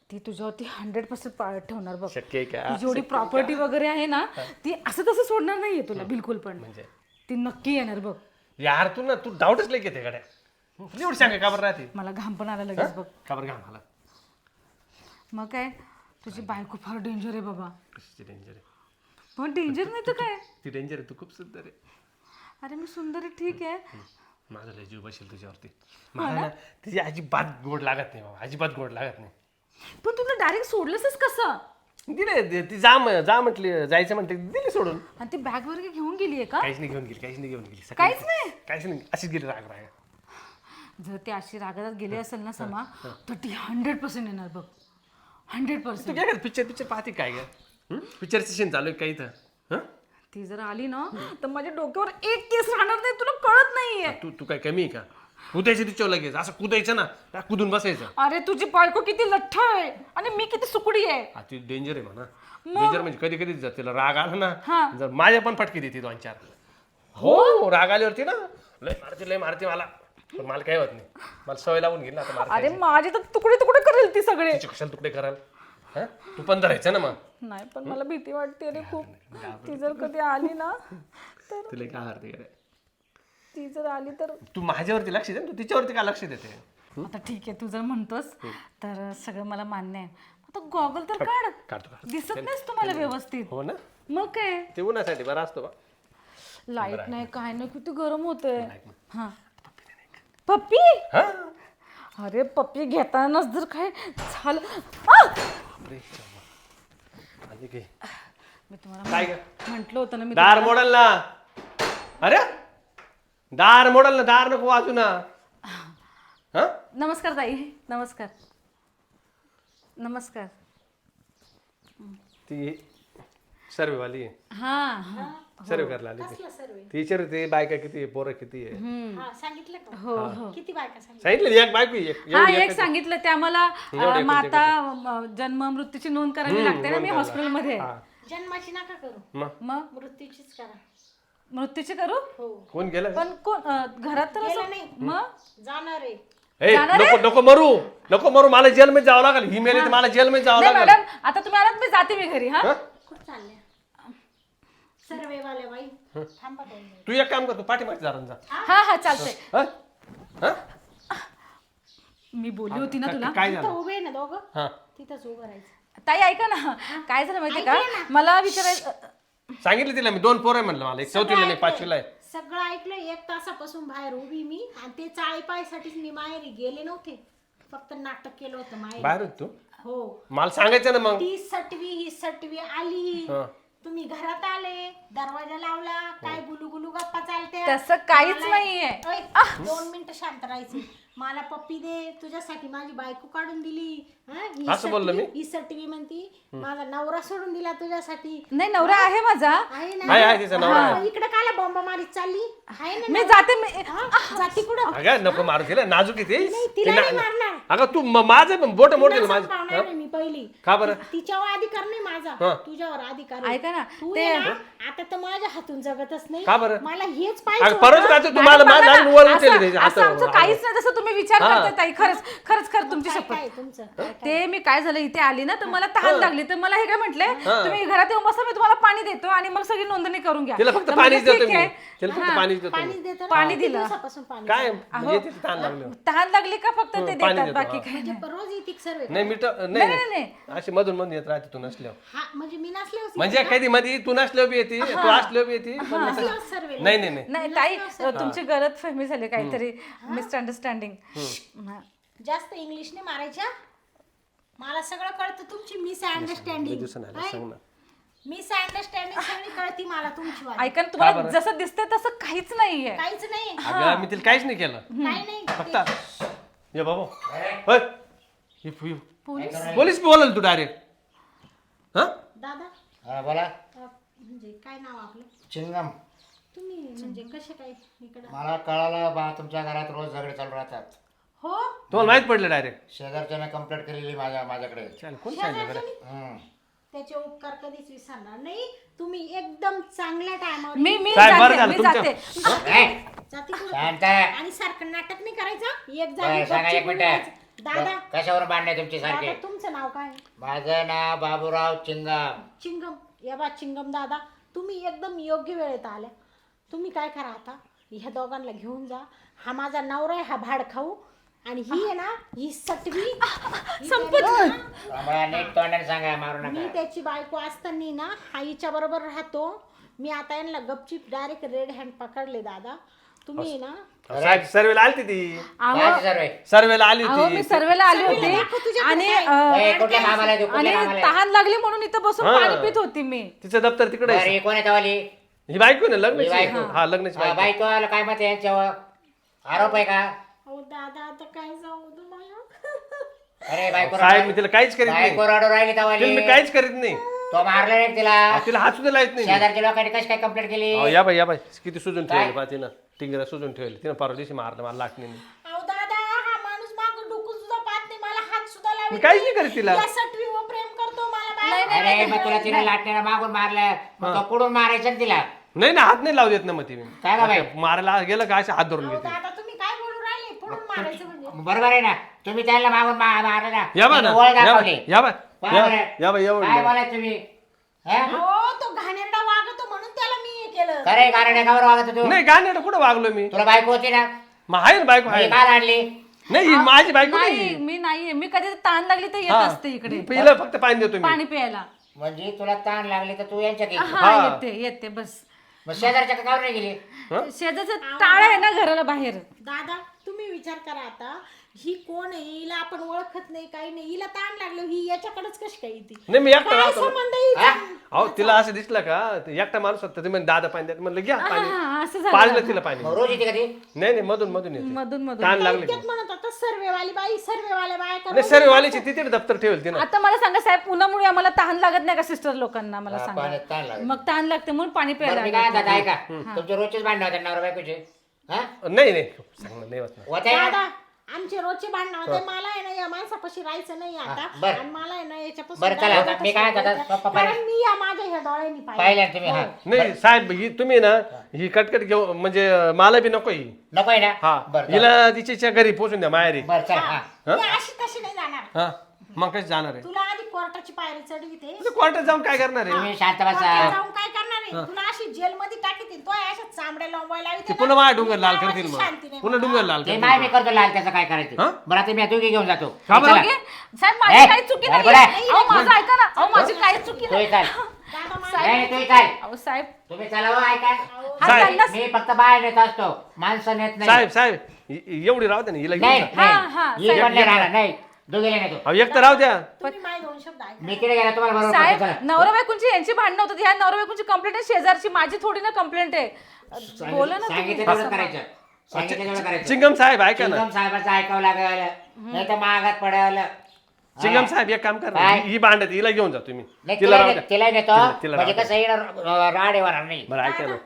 [SPEAKER 5] ती तुझ्यावरती 100% पाळत ठेवणार बघ.
[SPEAKER 3] शक्य आहे का?
[SPEAKER 5] ती जेवढी प्रॉपर्टी वगैरे आहे ना ती असं तसं सोडणार नाहीये तुला बिलकुल पण.
[SPEAKER 3] म्हणजे
[SPEAKER 5] ती नक्की येणार बघ.
[SPEAKER 3] यार तू डाऊटच लई घेते गड्या. तुला एवढं सांगा का बरं राहते?
[SPEAKER 5] मला घाम पण आला लगेच बघ.
[SPEAKER 3] का बरं घाम आला?
[SPEAKER 5] मग काय तुझी बायको फार डेंजर आहे बाबा.
[SPEAKER 3] कशी डेंजर आहे?
[SPEAKER 5] पण डेंजर नाही तर काय.
[SPEAKER 3] ती डेंजर आहे, तू खूप सुंदर आहे.
[SPEAKER 5] अरे मी सुंदर आहे ठीक आहे.
[SPEAKER 3] माझा लय जीव बसेल तुझ्यावरती. मला ना तिची अजिबात गोड लागत नाही बाबा, अजिबात गोड लागत नाही.
[SPEAKER 5] पण तुला डायरेक्ट सोडलंसच कसं.
[SPEAKER 3] दिले ती जा म्हटली, जायचं म्हणते दिली सोडून.
[SPEAKER 5] आणि ती बॅग वगैरे घेऊन गेलीये का.
[SPEAKER 3] काहीच नाही घेऊन गेली, काहीच नाही घेऊन गेली.
[SPEAKER 5] काहीच नाही.
[SPEAKER 3] काहीच नाही, अशीच गेली राग.
[SPEAKER 5] जर ती अशी रागात गेली असेल ना समा तर ती 100% येणार बघ. 100%.
[SPEAKER 3] तू काय पिक्चर पाहते काय ग? पिक्चरचं सीन चालू आहे काही तर.
[SPEAKER 5] ती जर आली ना तर माझ्या डोक्यावर एक केस राहणार नाही तुला कळत नाहीये.
[SPEAKER 3] तू काय कमी आहे का? कुदायचं तिच्यावर लगेच, असं कुदायचं ना, त्या कुदून बसायचं.
[SPEAKER 5] अरे तुझी बायको किती लठ्ठ आहे आणि मी किती सुकडी आहे.
[SPEAKER 3] ती डेंजर आहे म्हणा. डेंजर म्हणजे कधी कधी जर तिला राग आला ना, जर माझ्या पण फटके देते 2-4. हो राग आल्यावरती ना लय मारते मला. पण मला काय होत नाही, मला सवय लावून गेली आता मार.
[SPEAKER 5] अरे माझे तर तुकडे तुकडे करेल ती सगळे.
[SPEAKER 3] तिचे कशाला तुकडे कराल? तू पण धरायचं ना मग.
[SPEAKER 5] नाही पण मला भीती वाटते रे खूप. ती जर कधी आली ना तर
[SPEAKER 3] तुला काय हरते?
[SPEAKER 5] ती जर आली तर.
[SPEAKER 3] तू माझ्यावरती लक्ष दे, तू तिच्यावरती का लक्ष देते?
[SPEAKER 5] आता ठीक आहे तू जर म्हणतोस तर सगळं मला मान्य आहे. आता गॉगल तर काढ.
[SPEAKER 3] काढतो.
[SPEAKER 5] दिसत नाहीस तुम्हाला व्यवस्थित.
[SPEAKER 3] हो ना,
[SPEAKER 5] मग काय
[SPEAKER 3] ते उन्हासाठी बरा असतो बा.
[SPEAKER 5] लाईट नाही काय नाही किती गरम होतंय. हा पप्पी. अरे पप्पी घेतानाच जर काय झालं. मी तुम्हाला
[SPEAKER 3] काय ग?
[SPEAKER 5] म्हंटल होतं ना मी
[SPEAKER 3] दार मोडल ना. अरे दार मोडल ना, दार नको वाजू ना.
[SPEAKER 5] नमस्कार ताई. नमस्कार. नमस्कार.
[SPEAKER 3] ती सर्वेवाली आहे.
[SPEAKER 5] हा
[SPEAKER 3] सर्वे करायला आली
[SPEAKER 4] कसला सर्वे?
[SPEAKER 3] ती विचारते बायका किती आहे, पोरं किती आहे.
[SPEAKER 4] हा सांगितलं का?
[SPEAKER 5] हो हो.
[SPEAKER 4] किती बायका सांगितलं?
[SPEAKER 3] सांगितलं एक बायको आहे,
[SPEAKER 5] हा
[SPEAKER 3] एवढी
[SPEAKER 5] एक सांगितलं त्या मला माता जन्म मृत्यूची नोंद करावी लागते ना. मी हॉस्पिटलमध्ये आहे.
[SPEAKER 4] जन्माची नका करू,
[SPEAKER 5] मग
[SPEAKER 4] मृत्यूचीच करा.
[SPEAKER 5] मृत्यूची करू.
[SPEAKER 4] हो
[SPEAKER 3] कोण गेलं?
[SPEAKER 5] पण कोण घरात तर
[SPEAKER 4] गेलं
[SPEAKER 5] असं.
[SPEAKER 4] नाही.
[SPEAKER 5] मग
[SPEAKER 4] जाणार आहे.
[SPEAKER 3] ए, नको मरू, मला जेलमध्ये जावं लागेल. ही मेली तर मला जेलमध्ये जावं
[SPEAKER 5] नाही
[SPEAKER 3] लागेल.
[SPEAKER 5] मॅडम आता तुम्ही आलात मी जाते मी घरी. हा
[SPEAKER 4] कुठं चालल्या सर्वेवाल्या बाई? थांबा 2 मिनिट.
[SPEAKER 3] तू एक काम कर, तू पाठीमागे जा जा.
[SPEAKER 5] हा हा चालतंय.
[SPEAKER 3] हं? हं?
[SPEAKER 5] मी बोलली होती ना तुला.
[SPEAKER 3] काय
[SPEAKER 4] तिथं
[SPEAKER 3] झालं?
[SPEAKER 4] उभे आहे ना दोघं,
[SPEAKER 3] हा
[SPEAKER 4] तिथंच उभं राहायचं.
[SPEAKER 5] ताई ऐका ना काय झालं माहितीये का मला विचारायचं.
[SPEAKER 3] सांगितलं तिला मी 2 पोरं आहे म्हणलं मला. एक 4थीला नाही 5वीला आहे.
[SPEAKER 4] सगळं ऐकलं. 1 तासापासून बाहेर उभी मी, आणि ते चाळीपायसाठीच मी माहेरी गेले नव्हते, फक्त नाटक केलं होतं माहेरी.
[SPEAKER 3] बाहेर होती तू?
[SPEAKER 4] हो.
[SPEAKER 3] मला सांगायचं ना मग.
[SPEAKER 4] ती सटवी ही सटवी आली, तुम्ही घरात आले, दरवाजा लावला, काय गुलू गप्पा चालते.
[SPEAKER 5] तसं काहीच नाहीये.
[SPEAKER 4] 2 मिनिटं शांत राहायची. मला पप्पी दे, तुझ्यासाठी माझी बायको काढून दिली. ही
[SPEAKER 3] असं बोललो मी?
[SPEAKER 4] ही सटवी म्हणती माझा नवरा सोडून दिला तुझ्यासाठी.
[SPEAKER 5] नाही नवरा आहे माझा.
[SPEAKER 4] आहे ना?
[SPEAKER 3] आहे तिचा नवरा आहे.
[SPEAKER 4] इकडे काला बॉम्ब मारीत चालली आहे ना?
[SPEAKER 5] मी जाते
[SPEAKER 4] जाती कुठं?
[SPEAKER 3] अगं नको मारू तिला, नाजूक आहे ती.
[SPEAKER 4] तिला नाही मारणार.
[SPEAKER 3] अगं तू माझं बोट मोडतील
[SPEAKER 4] तुला
[SPEAKER 3] माझं.
[SPEAKER 4] संपवणार आहे मी पहिली.
[SPEAKER 3] का बरं?
[SPEAKER 4] तिच्यावर अधिकार नाही माझा, तुझ्यावर अधिकार आहे.
[SPEAKER 5] ऐका ना
[SPEAKER 4] तू
[SPEAKER 5] ते
[SPEAKER 4] आहे ना, आता तर माझ्या हातून जगतच नाही.
[SPEAKER 3] का बरं?
[SPEAKER 4] मला हेच
[SPEAKER 3] अगं
[SPEAKER 4] पाहिजे
[SPEAKER 3] परत
[SPEAKER 4] होतं.
[SPEAKER 3] का तुम्हाला माझं
[SPEAKER 5] असं
[SPEAKER 3] वर उचलले
[SPEAKER 5] असं आमचं काहीच नाही जसं तुम्ही विचार करताय ताई. खरंच तुमची
[SPEAKER 4] काय
[SPEAKER 5] शपथ.
[SPEAKER 4] काय तुमचं?
[SPEAKER 5] ते मी काय झालं इथे आली ना तर मला तहान लागली तर मला हे काय म्हटले तुम्ही घरात येऊन बसा मी तुम्हाला पाणी देतो आणि मग सगळी नोंदणी करून घ्या.
[SPEAKER 3] तिला फक्त
[SPEAKER 5] तर
[SPEAKER 3] पाणीच
[SPEAKER 5] म्हणजे
[SPEAKER 3] देतो
[SPEAKER 5] ठीक
[SPEAKER 3] मी.
[SPEAKER 5] आहे.
[SPEAKER 3] तिला फक्त पाणीच देतो
[SPEAKER 4] पाणी
[SPEAKER 3] मी.
[SPEAKER 4] देतो ना?
[SPEAKER 5] पाणी
[SPEAKER 4] किती
[SPEAKER 5] दिलं.
[SPEAKER 4] दिवसापासून पाणी
[SPEAKER 3] काय
[SPEAKER 4] देतो?
[SPEAKER 3] म्हणजे तिथे ताण लागलं.
[SPEAKER 5] तहान लागली का फक्त ते
[SPEAKER 3] पाणी
[SPEAKER 5] देतात
[SPEAKER 3] देतो,
[SPEAKER 5] बाकी
[SPEAKER 3] हा.
[SPEAKER 5] काय नाही.
[SPEAKER 4] म्हणजे रोज येते सर्वे?
[SPEAKER 3] नाही मीठ
[SPEAKER 5] नाही,
[SPEAKER 3] नाही
[SPEAKER 5] नाही.
[SPEAKER 3] अशी मधून मधून येत राहते तू नसल्यावर.
[SPEAKER 4] हा म्हणजे मी नसले होते
[SPEAKER 3] म्हणजे कधी मध्ये तू नसल्यावर बी येते, तू असल्यावर बी येते. पण नसल्यावर-
[SPEAKER 4] सर्वे.
[SPEAKER 3] नाही
[SPEAKER 5] नाही ताई तुमची गलतफहमी झाली काहीतरी मिसअंडरस्टँडिंग.
[SPEAKER 4] जास्त इंग्लिश नाही मारायच्या. मला सगळं कळतं तुमची मिसअंडरस्टँडिंग.
[SPEAKER 3] सांग ना.
[SPEAKER 4] मिसअंडरस्टँडिंग सगळी कळती मला तुमची वाली.
[SPEAKER 5] ऐका ना तुम्हाला जसं दिसतंय तसं काहीच नाहीये.
[SPEAKER 4] काहीच नाही.
[SPEAKER 3] अगं मी तिला काहीच नाही केलं.
[SPEAKER 4] काय नाही.
[SPEAKER 3] फक्त ये बाबा पोलीस बोलल तू डायरेक्ट. हा
[SPEAKER 4] दादा
[SPEAKER 1] हा बोला.
[SPEAKER 4] म्हणजे काय नाव आपलं?
[SPEAKER 1] चिंगम.
[SPEAKER 4] तुम्ही म्हणजे कसे काय इकडं?
[SPEAKER 1] मला कळालं बा तुमच्या घरात रोज झगडे चालू राहतात.
[SPEAKER 4] हो
[SPEAKER 3] तुम्हाला माहित पडलं डायरेक्ट.
[SPEAKER 1] शेजारच्याने कंप्लेंट केलेली माझ्याकडे.
[SPEAKER 3] कोण सांगितलं बरं?
[SPEAKER 1] हम्म.
[SPEAKER 4] त्याचे उपकार कधीच विसरणार नाही. तुम्ही एकदम चांगल्या टायमावर
[SPEAKER 5] मी
[SPEAKER 3] काय बरं
[SPEAKER 5] जाते
[SPEAKER 3] झालं
[SPEAKER 5] मी
[SPEAKER 3] तुमच्या-
[SPEAKER 5] जाते.
[SPEAKER 4] जाती कुठं?
[SPEAKER 1] शांत.
[SPEAKER 4] आणि सारखं नाटक नाही करायचं. एक
[SPEAKER 1] बरं, सांगा एक
[SPEAKER 4] जागी
[SPEAKER 1] मिनिट.
[SPEAKER 4] दादा
[SPEAKER 1] कशावर बांधणे तुमची सारखे?
[SPEAKER 4] दादा तुमचं नाव काय?
[SPEAKER 1] माझं नाव बाबूराव चिंगाम.
[SPEAKER 4] चिंगम. या बा चिंगम दादा, तुम्ही एकदम योग्य वेळेत आल्या. तुम्ही काय करा आता, ह्या दोघांना घेऊन जा. हा माझा नवरा आहे, हा भाड खाऊ. आणि ही आहे ना, ही सटवी
[SPEAKER 1] आम्हाला नीट तोंडाने सांगा, मारू
[SPEAKER 4] मी
[SPEAKER 1] नका.
[SPEAKER 4] त्याची बायको असताना ना हा हिच्या बरोबर राहतो. मी आता यांना गपचीप डायरेक्ट रेड हँड पकडले दादा. तुम्ही ना
[SPEAKER 3] साहेब सर्वेला आली ती
[SPEAKER 1] काय सर्व आहे?
[SPEAKER 3] सर्वेला आली
[SPEAKER 5] अहो
[SPEAKER 3] होती
[SPEAKER 5] मी सर्वेला आली होती आणि
[SPEAKER 1] ए, कुठल्या कामाला आहे तू?
[SPEAKER 5] आणि
[SPEAKER 1] कुठल्या कामाला आहे?
[SPEAKER 5] तहान लागली म्हणून इथं बसून
[SPEAKER 3] हा.
[SPEAKER 5] पाणी पित होती मी.
[SPEAKER 3] तिचं दप्तर तिकडे
[SPEAKER 1] बरं,
[SPEAKER 3] आहे.
[SPEAKER 1] ही कोण आहे तवाली?
[SPEAKER 3] ही बायको आहे ना
[SPEAKER 1] ही
[SPEAKER 3] लग्नाची
[SPEAKER 1] बायको.
[SPEAKER 3] हा लग्नाची
[SPEAKER 1] हा,
[SPEAKER 3] बायको
[SPEAKER 1] बायको आला काय मत आहे यांच्यावर? आरोप आहे का?
[SPEAKER 4] अहो दादा आता काय सांगू तुम्हाला.
[SPEAKER 1] अरे बायको
[SPEAKER 3] साहेब मी तिला काहीच करीत नाही
[SPEAKER 1] बायको रडू राहिली
[SPEAKER 3] तिला
[SPEAKER 1] तवाली.
[SPEAKER 3] मी काहीच करीत नाही
[SPEAKER 1] तो मारला नाही तिला.
[SPEAKER 3] तिला हात सुद्धा लावत नाही मी.
[SPEAKER 1] शेजारच्या लोकांनी कशी काय कंप्लेंट केली?
[SPEAKER 3] अहो, या बाई किती सुजून ठेवली पहा तिनं टिंगरा सुजून ठेवली तिनं परवा दिवशी मारलं मला लाटणीने.
[SPEAKER 4] अहो दादा हा माणूस मागं डुकून सुद्धा पाहत नाही, मला हात सुद्धा
[SPEAKER 3] मी
[SPEAKER 4] लावत
[SPEAKER 3] काहीच नाही करीत तिला
[SPEAKER 4] या सटवीवर प्रेम करतो. मला बाहेर
[SPEAKER 1] अरे मग तुला तिने लाटण्याला मागून मारलं, मग तो कुठून मारायचं ना तिला?
[SPEAKER 3] नाही ना हात नाही लावू देत ना मग ती
[SPEAKER 1] काय गं बाई?
[SPEAKER 3] मारायला गेलं का असे हात धरून
[SPEAKER 4] अहो
[SPEAKER 3] घेते.
[SPEAKER 4] दादा तुम्ही काय बोलू राहिले? पुढून मारायचं म्हणजे
[SPEAKER 1] बरोबर आहे ना, तुम्ही त्याला मागून मारलं ना,
[SPEAKER 3] या बा ना
[SPEAKER 1] तिने ओळ
[SPEAKER 3] या
[SPEAKER 1] दाखवली.
[SPEAKER 3] बाई या बाई
[SPEAKER 1] बरोबर
[SPEAKER 3] या-
[SPEAKER 1] आहे.
[SPEAKER 3] या बाई
[SPEAKER 1] काय
[SPEAKER 3] एवढं
[SPEAKER 1] बोलाय तुम्ही? हे?
[SPEAKER 4] हो तो घाणेरडा वागतो म्हणून त्याला मी हे केलं.
[SPEAKER 1] खरंय कारण एकावर वागत तू?
[SPEAKER 3] नाही गाणं कुठं वागलो मी
[SPEAKER 1] तुला बायको होती ना,
[SPEAKER 3] मग आहे ना बायको
[SPEAKER 1] मी
[SPEAKER 3] आहे
[SPEAKER 1] काल आणली.
[SPEAKER 3] नाही ही माझी बायको
[SPEAKER 5] नाही
[SPEAKER 3] नाही
[SPEAKER 5] मी नाहीये, मी कधी ताण लागली तर येत
[SPEAKER 3] हा.
[SPEAKER 5] असते इकडे
[SPEAKER 3] हिला फक्त पाणी देतो मी
[SPEAKER 5] पाणी प्यायला.
[SPEAKER 1] म्हणजे तुला ताण लागली तर तू यांच्या घरी.
[SPEAKER 5] हा येते येते बस.
[SPEAKER 1] मग शेजारच्या का नाही गेली?
[SPEAKER 5] शेजारचं टाळ आहे ना घराला बाहेर.
[SPEAKER 4] दादा तुम्ही विचार करा आता, ही कोण आहे? हिला आपण ओळखत नाही, काही नाही. हिला ताण लागलो, ही याच्याकडेच कशी काय येते?
[SPEAKER 3] नाही मी एकटा
[SPEAKER 4] काय
[SPEAKER 3] राहतो
[SPEAKER 4] संबंध हिचा?
[SPEAKER 3] अहो तिला असं दिसलं का ते एकटा माणूस होता ते म्हणजे दादा पाणी द्या म्हणलं घ्या पाणी
[SPEAKER 5] हा असं झालं.
[SPEAKER 3] पाजलं तिला पाणी
[SPEAKER 1] मग रोज येते का ती?
[SPEAKER 3] नाही नाही मधून मधून येते
[SPEAKER 5] मधून मधून.
[SPEAKER 3] ताण लागले की
[SPEAKER 4] इतक्यात म्हणत होता सर्वेवाली बाई, सर्वेवाल्या बाया
[SPEAKER 3] नाही सर्व वालीची तिथे दप्तर ठेवलं तिनं
[SPEAKER 5] आता मला सांगा साहेब, उन्हामुळे आम्हाला तहान लागत नाही का सिस्टर लोकांना? मला सांगा.
[SPEAKER 1] पाण्यात ताण लागली.
[SPEAKER 5] मग तहान लागते म्हणून पाणी
[SPEAKER 1] बरं,
[SPEAKER 5] प्यायला
[SPEAKER 1] मी
[SPEAKER 5] आले.
[SPEAKER 1] काय म्हणतात ऐका, तुमचे रोजचेच भांडण होते नवरा बायकोचे? हा?
[SPEAKER 3] नाही नाही सांगणार नाही होत ना.
[SPEAKER 1] होते ना?
[SPEAKER 4] दादा आमचे रोजचे भांडण होते. मला आहे ना या माणसापाशी राहायचं नाही आता.
[SPEAKER 1] बरं.
[SPEAKER 4] आणि मला आहे ना याच्यापासून
[SPEAKER 1] बरं, चला,
[SPEAKER 4] दारातच
[SPEAKER 1] आता मी काय
[SPEAKER 4] राहायचं.
[SPEAKER 1] म्हणतात, पप्पा
[SPEAKER 4] कारण मी या माझ्या ह्या डोळ्यांनी पाहिलं.
[SPEAKER 1] पाहिलं ना तुम्ही? हा
[SPEAKER 3] नाही साहेब ही तुम्ही ना ही कटकट घेऊ म्हणजे मला बी नको ही
[SPEAKER 1] नको आहे ना?
[SPEAKER 3] हा
[SPEAKER 1] बरं
[SPEAKER 3] हिला तिच्या घरी पोहोचून द्या माहेरी
[SPEAKER 1] बरं चला. हा
[SPEAKER 4] मी अशी तशी नाही जाणार.
[SPEAKER 3] हा मग कशी जाणार आहे
[SPEAKER 4] तुला आधी कोर्टाची पायरी चढविते.
[SPEAKER 3] क्वार्टर जाऊन काय करणार आहे
[SPEAKER 1] तुम्ही शांत बसा.
[SPEAKER 4] कोर्टात जाऊन काय करणार आहे? तुला अशी जेल मध्ये टाकीतील. तो अशा चांबड्या लोंबायला
[SPEAKER 3] ते पुन्हा माझ्या डोंगर लाल करतील मग पुन्हा डोंगर लाल
[SPEAKER 1] ते
[SPEAKER 3] करतील
[SPEAKER 1] माय मी करतो लाल, त्याचं काय
[SPEAKER 3] हा?
[SPEAKER 1] करायचं? बरं आता मी तू घेऊन जातो.
[SPEAKER 3] का बरं?
[SPEAKER 1] चला.
[SPEAKER 5] ओके? साहेब माझी
[SPEAKER 1] ए,
[SPEAKER 5] काही चुकी
[SPEAKER 1] अरे
[SPEAKER 5] नाही.
[SPEAKER 1] बोला.
[SPEAKER 5] अहो माझं ऐका ना. अहो माझी काही चुकी
[SPEAKER 1] तोही
[SPEAKER 5] नाही.
[SPEAKER 1] चाल.
[SPEAKER 4] दादा
[SPEAKER 1] नाही तोही चाल.
[SPEAKER 5] अहो साहेब
[SPEAKER 1] तुम्ही चला हो, ऐका.
[SPEAKER 5] हा
[SPEAKER 3] साहेब.
[SPEAKER 5] त्यांना-
[SPEAKER 1] मी फक्त बाहेर नेत असतो, माणसं नेत नाही.
[SPEAKER 3] साहेब साहेब एवढी राहू द्या ना हिला
[SPEAKER 1] नाही
[SPEAKER 3] घेऊन जा.
[SPEAKER 5] हा,
[SPEAKER 1] नाही
[SPEAKER 5] हा,
[SPEAKER 1] ही पण नाही राहणार, नाही दोघेला नेतो.
[SPEAKER 3] अहो एक तर राहू द्या
[SPEAKER 4] तुम्ही माझे दोन शब्द ऐका.
[SPEAKER 1] मी तिकडे गेला तुम्हाला बरोबर
[SPEAKER 5] साहेब
[SPEAKER 1] पडतं, चला.
[SPEAKER 5] नवरा बायकोंची यांची भांडणं होतात. ह्या नवरा बायकोंची कंप्लेंट आहे शेजारची, माझी थोडी ना कंप्लेंट आहे. बोला ना तुम्ही.
[SPEAKER 1] सांगितलं तेवढं करायचं. सांगितलं तेवढं करायचं.
[SPEAKER 3] चिंगम साहेब ऐका ना
[SPEAKER 1] चिंगम साहेबाचं ऐकावं लागल, नाही तर महागात पडल.
[SPEAKER 3] चिंगम साहेब एक काम करा
[SPEAKER 1] काय?
[SPEAKER 3] ही भांडत हिला घेऊन जा तुम्ही
[SPEAKER 1] नाही
[SPEAKER 3] तिला राहू द्या
[SPEAKER 1] तिला नेतो
[SPEAKER 3] तिला
[SPEAKER 1] म्हणजे
[SPEAKER 3] राहू
[SPEAKER 1] कसं येणार राड येणार नाही.
[SPEAKER 3] बरं ऐका ना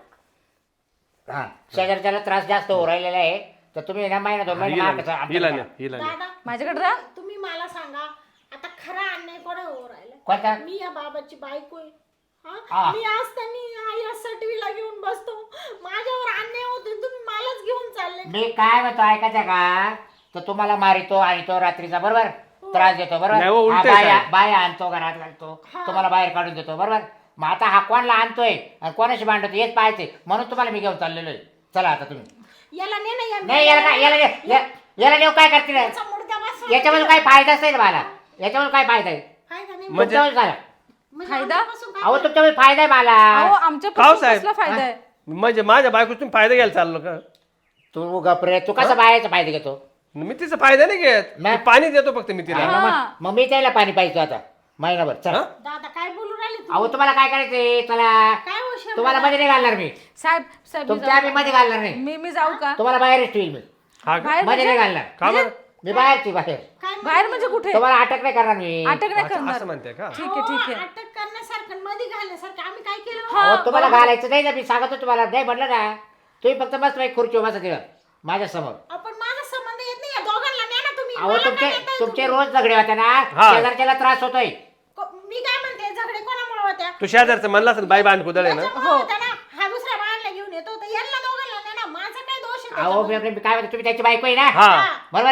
[SPEAKER 1] हा शेजारच्याला त्रास जास्त होऊ राहिलेला आहे, तर तुम्ही ना महिना दोन महिने मागायचं
[SPEAKER 3] हिला
[SPEAKER 1] आमच्याकडे.
[SPEAKER 3] नाही हिला नाही
[SPEAKER 4] दादा
[SPEAKER 5] माझ्याकडे राहा.
[SPEAKER 4] तुम्ही मला सांगा आता खरा अन्याय कोणा हो राहिला?
[SPEAKER 1] कोणता?
[SPEAKER 4] मी या बाबाची बायको आहे.
[SPEAKER 1] हा.
[SPEAKER 4] हा? मी असताना या सटवीला घेऊन बसतो. माझ्यावर अन्याय होते, तुम्ही मलाच घेऊन चालले.
[SPEAKER 1] मी काय म्हणतो ऐकायचं का, तर तुम्हाला मारितो आणि तो रात्रीचा बरोबर त्रास देतो
[SPEAKER 3] नाही हो,
[SPEAKER 1] बरोबर.
[SPEAKER 3] उलटं
[SPEAKER 1] हा,
[SPEAKER 3] आहे
[SPEAKER 1] बाया
[SPEAKER 3] साहेब.
[SPEAKER 1] बाया आणतो, घरात घालतो, तुम्हाला बाहेर काढून देतो बरोबर. मग आता हा कोणाला आणतोय आणि कोणाशी भांडतो हेच पाहायचे, म्हणून तुम्हाला मी घेऊन चाललेलो आहे. चला आता तुम्ही.
[SPEAKER 4] याला ने ना
[SPEAKER 1] नाही याला काय याला नेऊ काय करतील?
[SPEAKER 4] याचा मुडदा बसवा.
[SPEAKER 1] याच्यामध्ये काही फायदाच नाही मला, याच्यामध्ये काय फायदा आहे?
[SPEAKER 4] फायदा नाही.
[SPEAKER 3] म्हणजे-
[SPEAKER 1] तुमच्यावर झाला.
[SPEAKER 4] म्हणजे
[SPEAKER 5] फायदा?
[SPEAKER 4] आमच्यापासून काय
[SPEAKER 1] अहो तुमच्यामध्ये फायदा आहे मला.
[SPEAKER 5] अहो आमच्या
[SPEAKER 3] काव साहेब?
[SPEAKER 5] कसला फायदा आहे?
[SPEAKER 3] म्हणजे माझ्या बायको तुम्ही फायदा घ्यायला चाललो का
[SPEAKER 1] तू गपरे, तू कसा बायाचा फायदा घेतो?
[SPEAKER 3] मी तिचा फायदा नाही घेत
[SPEAKER 1] नाही.
[SPEAKER 3] मी पाणी देतो फक्त मी तिला
[SPEAKER 1] मग मी त्याला पाणी पाहिजे आता महिनाभर. चला.
[SPEAKER 3] हा?
[SPEAKER 4] दादा काय बोलू राहिले तुम्ही?
[SPEAKER 1] अहो तुम्हाला काय करायचंय? चला
[SPEAKER 4] काय हो
[SPEAKER 1] तुम्हाला मध्ये नाही घालणार मी,
[SPEAKER 5] साहेब साहेब मी
[SPEAKER 1] तुमच्या आम्ही मध्ये घालणार नाही.
[SPEAKER 5] मी जाऊ का
[SPEAKER 1] तुम्हाला बाहेरच ठेवील मी,
[SPEAKER 3] हा का?
[SPEAKER 5] बाहेर
[SPEAKER 1] मध्ये नाही
[SPEAKER 5] म्हणजे?
[SPEAKER 1] घालणार.
[SPEAKER 3] का बरं?
[SPEAKER 1] मी बाहेरची बाहेर.
[SPEAKER 4] काय
[SPEAKER 5] बाहेर म्हणजे कुठे?
[SPEAKER 1] तुम्हाला अटक नाही करणार मी.
[SPEAKER 5] अटक नाही
[SPEAKER 3] अच्छा,
[SPEAKER 5] करणार.
[SPEAKER 3] असं म्हणते का
[SPEAKER 5] ठीक आहे ठीक आहे.
[SPEAKER 4] अटक करण्यासारखं मध्ये घालण्यासारखं आम्ही काय केलं?
[SPEAKER 5] हा,
[SPEAKER 1] अहो, तुम्हाला घालायचं नाही ना, मी सांगतो तुम्हाला नाही म्हटलं ना. तुम्ही फक्त मस्त एक खुर्ची बसा तिला माझ्या समोर.
[SPEAKER 4] आपण माझा संबंध येत नाही, या दोघांना न्या ना तुम्ही.
[SPEAKER 1] अहो
[SPEAKER 4] मला
[SPEAKER 1] तुमचे
[SPEAKER 4] काय येतंय
[SPEAKER 1] तुमचे
[SPEAKER 4] तुम्ही?
[SPEAKER 1] रोज झगडे होते ना,
[SPEAKER 3] हा.
[SPEAKER 1] शेजारच्याला त्रास होतोय.
[SPEAKER 4] मी काय म्हणते, झगडे कोणामुळे होत्या?
[SPEAKER 3] तू शेजारचं म्हणला असेल बाई बांध कुदळ आहे ना
[SPEAKER 4] त्याच्यामुळे होत्या ना. हा दुसऱ्या बाळाला घेऊन येतो, तर यांना दोघांना न्या ना. माझा काय दोष आहे
[SPEAKER 1] अहो
[SPEAKER 4] त्याच्यामध्ये?
[SPEAKER 1] मी काय म्हणतो, तुम्ही त्याची बायको आहे ना
[SPEAKER 3] हा
[SPEAKER 1] बरोबर ना.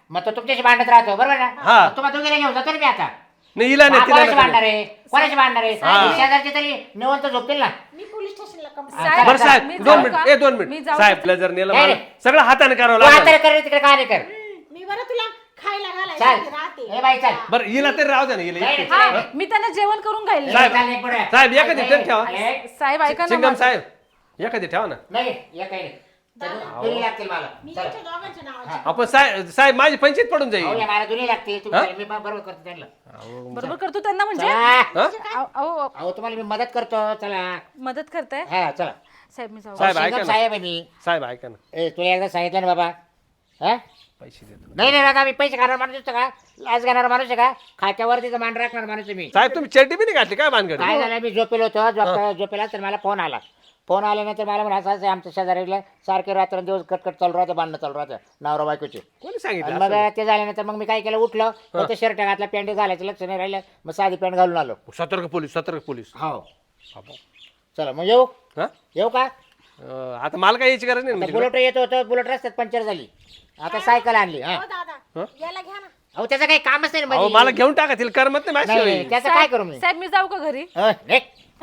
[SPEAKER 1] मग तो तुमच्याशी भांडत राहतो बरोबर ना
[SPEAKER 3] हा.
[SPEAKER 1] मग तुम्हाला दोघीला घेऊन जातो ना मी आता
[SPEAKER 3] नाही हिला नाही तिला
[SPEAKER 1] कोणाशी
[SPEAKER 3] नाही.
[SPEAKER 1] भांडणार आहे कोणाशी भांडणार आहे शेजारचे तरी निवंत झोपतील ना
[SPEAKER 4] मी पोलीस स्टेशनला
[SPEAKER 5] साहेब,
[SPEAKER 3] बरं साहेब
[SPEAKER 5] मी
[SPEAKER 3] 2
[SPEAKER 5] जाऊ
[SPEAKER 3] मिनिट
[SPEAKER 5] का?
[SPEAKER 3] 2
[SPEAKER 5] मी
[SPEAKER 3] मिनिट
[SPEAKER 5] जाऊ
[SPEAKER 3] साहेबला जर नेलं
[SPEAKER 1] नाही,
[SPEAKER 3] मला
[SPEAKER 1] नाही.
[SPEAKER 3] सगळं हाताने करावं
[SPEAKER 1] तू आता
[SPEAKER 3] लागेल
[SPEAKER 1] कर तिकडे काय नाही कर
[SPEAKER 4] मी बरं तुला खायला
[SPEAKER 1] चाल
[SPEAKER 4] घालायला राहते
[SPEAKER 1] ए बाई चाल
[SPEAKER 3] बरं हिला तरी राहू द्या ना हिला
[SPEAKER 1] नाही,
[SPEAKER 3] एकटीच.
[SPEAKER 1] नाही.
[SPEAKER 5] हा मी त्यांना जेवण करून घाईल
[SPEAKER 3] साहेब,
[SPEAKER 1] चाल, एक पुढे.
[SPEAKER 3] साहेब, एखादी
[SPEAKER 1] नाही,
[SPEAKER 3] तर ठेवा.
[SPEAKER 1] नाही,
[SPEAKER 5] साहेब ऐका ना
[SPEAKER 3] सिंगम
[SPEAKER 5] माझं.
[SPEAKER 3] साहेब एखादी ठेवा ना
[SPEAKER 1] नाही या काही नाही दुनी लागतील मला
[SPEAKER 4] मी
[SPEAKER 1] चला.
[SPEAKER 4] त्यांच्या दोघांच्या नावाची
[SPEAKER 3] आपण साहेब माझी पंचायत पडून
[SPEAKER 1] अहो,
[SPEAKER 3] जाईल
[SPEAKER 1] या मला दुनी लागतील तुम्ही चला, मी बरोबर करतो त्यांना
[SPEAKER 5] बरोबर करतो त्यांना म्हणजे
[SPEAKER 1] चला.
[SPEAKER 3] हा?
[SPEAKER 5] अहो
[SPEAKER 1] अहो तुम्हाला मी मदत करतो चला
[SPEAKER 5] मदत करताय
[SPEAKER 1] हा चला
[SPEAKER 5] साहेब मी जाऊ
[SPEAKER 3] साहेब, ऐका
[SPEAKER 1] सिंगम
[SPEAKER 3] ना.
[SPEAKER 1] साहेब आहे मी
[SPEAKER 3] साहेब ऐका ना
[SPEAKER 1] ए तुला एकदा सांगितलं ना बाबा हा
[SPEAKER 3] पैसे देतो
[SPEAKER 1] नाही नाही दादा मी पैसे खाणार माणूस असतो का लाच घेणार माणूस आहे का खात्यावरतीचा मान राखणार माणूस आहे मी
[SPEAKER 3] साहेब तुम्ही चड्डी बी नाही घातली काय भानगड
[SPEAKER 1] काय झालं मी झोपेलो होतो झोपेला तर मला फोन आल्यानंतर मला म्हणा असं आमच्या शेजारीला सारखे रात्रंदिवस कटकट चालू राहतं भांडणं चालू राहतं नवरा बायकोचे
[SPEAKER 3] कोणी
[SPEAKER 1] आणि
[SPEAKER 3] सांगितलं
[SPEAKER 1] मग
[SPEAKER 3] असं?
[SPEAKER 1] ते झाल्यानंतर मग मी काय केलं उठलं फक्त शर्ट घातला पॅन्ट घालायचं लक्ष नाही राहिलं मग साधी पॅन्ट घालून आलो
[SPEAKER 3] सतर्क पोलीस
[SPEAKER 1] हो चला मग येऊ
[SPEAKER 3] हा
[SPEAKER 1] येऊ का
[SPEAKER 3] आता मला काय यायची गरज नाही म्हणजे
[SPEAKER 1] बुलेट येत होतं बुलेट रस्त्यात पंक्चर झाली आता सायकल आणली हा
[SPEAKER 4] हो दादा याला घ्या ना
[SPEAKER 1] अहो त्याचं काही कामच नाही
[SPEAKER 3] अहो
[SPEAKER 1] म्हणजे.
[SPEAKER 3] मला घेऊन टाका तिला करमत नाही
[SPEAKER 1] नाही
[SPEAKER 3] माझ्याशिवाय
[SPEAKER 1] त्याचं काय करू मी
[SPEAKER 5] साहेब मी जाऊ का घरी
[SPEAKER 1] निघ.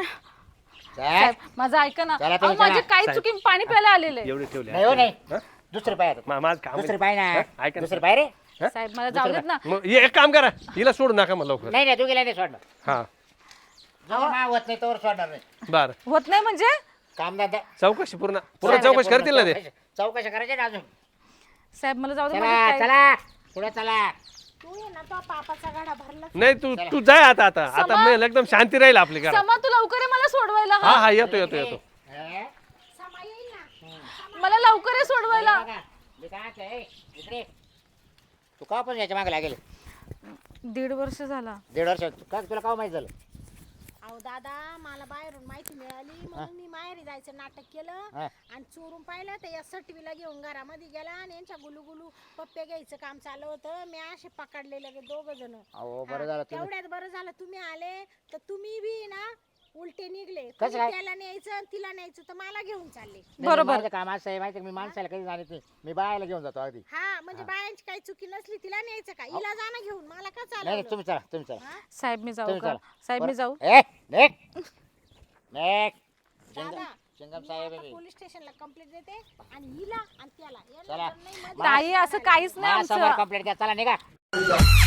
[SPEAKER 5] साहेब माझं ऐका ना
[SPEAKER 1] चला
[SPEAKER 5] अहो
[SPEAKER 1] तुम्ही
[SPEAKER 5] माझी
[SPEAKER 1] चला.
[SPEAKER 5] काही चुकी पाणी प्यायला आलेले
[SPEAKER 3] एवढे ठेवले
[SPEAKER 1] नाही हो नाही
[SPEAKER 3] हा?
[SPEAKER 1] दुसरे पाय आता.
[SPEAKER 3] माझं काम
[SPEAKER 1] दुसरे पाय ना
[SPEAKER 3] हा? ऐका ना.
[SPEAKER 1] दुसरे पाय रे
[SPEAKER 5] साहेब मला जाऊ देत ना
[SPEAKER 3] मग एक काम करा हिला सोडू नका मला लवकर
[SPEAKER 1] नाही नाही तू गेला नाही सोडणार
[SPEAKER 3] हा
[SPEAKER 1] जवळ मा होत नाही तोवर सोडणार नाही
[SPEAKER 3] बर
[SPEAKER 5] होत नाही म्हणजे
[SPEAKER 1] काम धंदा
[SPEAKER 3] चौकशी पूर्ण चौकशी करतील ना ते
[SPEAKER 1] चौकशी करायचे ना अजून
[SPEAKER 5] साहेब मला जाऊ दे
[SPEAKER 1] चला
[SPEAKER 5] माझी काही-
[SPEAKER 1] चला पुढे चला
[SPEAKER 4] तू ये ना तो पापाचा गाडा भरला
[SPEAKER 3] नाही तू जाय आता मग एकदम शांती राहील आपली घरात
[SPEAKER 5] समा तू लवकर ये मला सोडवायला
[SPEAKER 3] हा
[SPEAKER 5] हा
[SPEAKER 3] हा येतो
[SPEAKER 1] हे?
[SPEAKER 4] समा येईल ना
[SPEAKER 5] मला लवकर ये सोडवायला
[SPEAKER 1] बघा, मी काय म्हणतोय, ए, इकडे. तू का पण याच्या मागे लागेल
[SPEAKER 5] 1.5 वर्ष झाला
[SPEAKER 1] 1.5 वर्ष का तुला का माहित झालं
[SPEAKER 4] अहो दादा मला बाहेरून माहिती मिळाली म्हणून मी माहेरी जायचं नाटक केलं
[SPEAKER 1] हा.
[SPEAKER 4] आणि चोरून पाहिलं तर या सटवीला घेऊन घरामध्ये गेला आणि यांच्या गुलू पप्पे घ्यायचं काम चालू होतं मी असे पकडले लगे 2 जण
[SPEAKER 1] अहो बरं झालं तुम्ही
[SPEAKER 4] तेवढ्यात बरं झालं तुम्ही आले तर तुम्ही बी ना उलटे निघले
[SPEAKER 1] कसं
[SPEAKER 4] तुम्ही
[SPEAKER 1] काय?
[SPEAKER 4] त्याला न्यायचं आणि तिला न्यायचं तर मला घेऊन चालले
[SPEAKER 1] नाही,
[SPEAKER 5] बरोबर.
[SPEAKER 1] माझं काम असं आहे माहिती आहे का, मी माणसाला कधी जाणत नाही मी बायाला घेऊन जातो अगदी
[SPEAKER 4] हा म्हणजे बायांची काही चुकी नसली तिला न्यायचं का हिला जाणं घेऊन मला का
[SPEAKER 1] नाही नाही,
[SPEAKER 4] चाललं
[SPEAKER 1] तुम्ही चला
[SPEAKER 5] साहेब मी जाऊ
[SPEAKER 1] तुम्ही
[SPEAKER 5] का
[SPEAKER 1] चला.
[SPEAKER 5] साहेब मी
[SPEAKER 1] बरं.
[SPEAKER 5] जाऊ
[SPEAKER 1] ए नेक नेक
[SPEAKER 4] दादा
[SPEAKER 1] चिंगम
[SPEAKER 4] मी
[SPEAKER 1] साहेब
[SPEAKER 4] आता
[SPEAKER 1] आहे मी.
[SPEAKER 4] पोलीस स्टेशनला कंप्लेंट देते आणि हिला आणि त्याला यांना
[SPEAKER 1] चला.
[SPEAKER 4] जर नाही मध्ये-
[SPEAKER 5] ताई असं काहीच नाही
[SPEAKER 1] माझ्यासमोर
[SPEAKER 5] आमचं
[SPEAKER 1] कंप्लेंट द्या चला निघा